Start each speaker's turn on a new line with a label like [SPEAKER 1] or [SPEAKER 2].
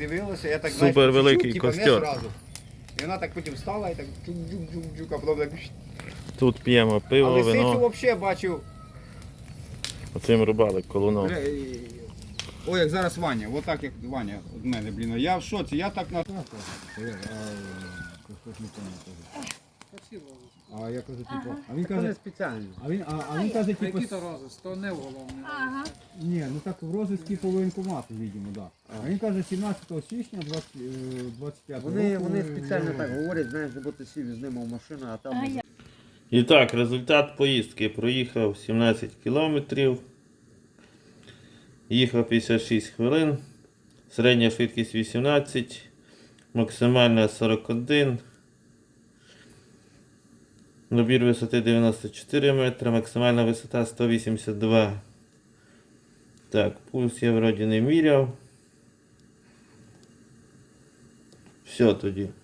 [SPEAKER 1] дивилася, я так
[SPEAKER 2] Супер великий
[SPEAKER 1] типу, не
[SPEAKER 2] костер.
[SPEAKER 1] зразу. І вона так потім встала і так джук-джук-джук-джук, а потім так...
[SPEAKER 2] Тут п'ємо
[SPEAKER 1] А
[SPEAKER 2] пиво,
[SPEAKER 1] лисицю
[SPEAKER 2] вино.
[SPEAKER 1] взагалі бачив.
[SPEAKER 2] Оцим рубали колуном.
[SPEAKER 1] Ой, як зараз Ваня, отак як Ваня від мене, блін. Я в шоці, я так на... А я кажу, типу, а він
[SPEAKER 3] Це не
[SPEAKER 1] каже,
[SPEAKER 3] спеціально.
[SPEAKER 1] а він каже, типу,
[SPEAKER 4] Які то розис, то не в головне.
[SPEAKER 5] Ага.
[SPEAKER 1] ні, ну так в розвитку по воєнкомату, видимо, да. А він каже, 17 січня 25 року.
[SPEAKER 3] Вони спеціально так говорять, знаєш, бо ти сів з ними в машину, а там...
[SPEAKER 2] І так, результат поїздки. Проїхав 17 кілометрів. Їхав 56 хвилин. Середня швидкість 18. Максимальна 41. Набір висоти 94 метри. Максимальна висота 182. Так, пульс я вроді не міряв. Все тоді.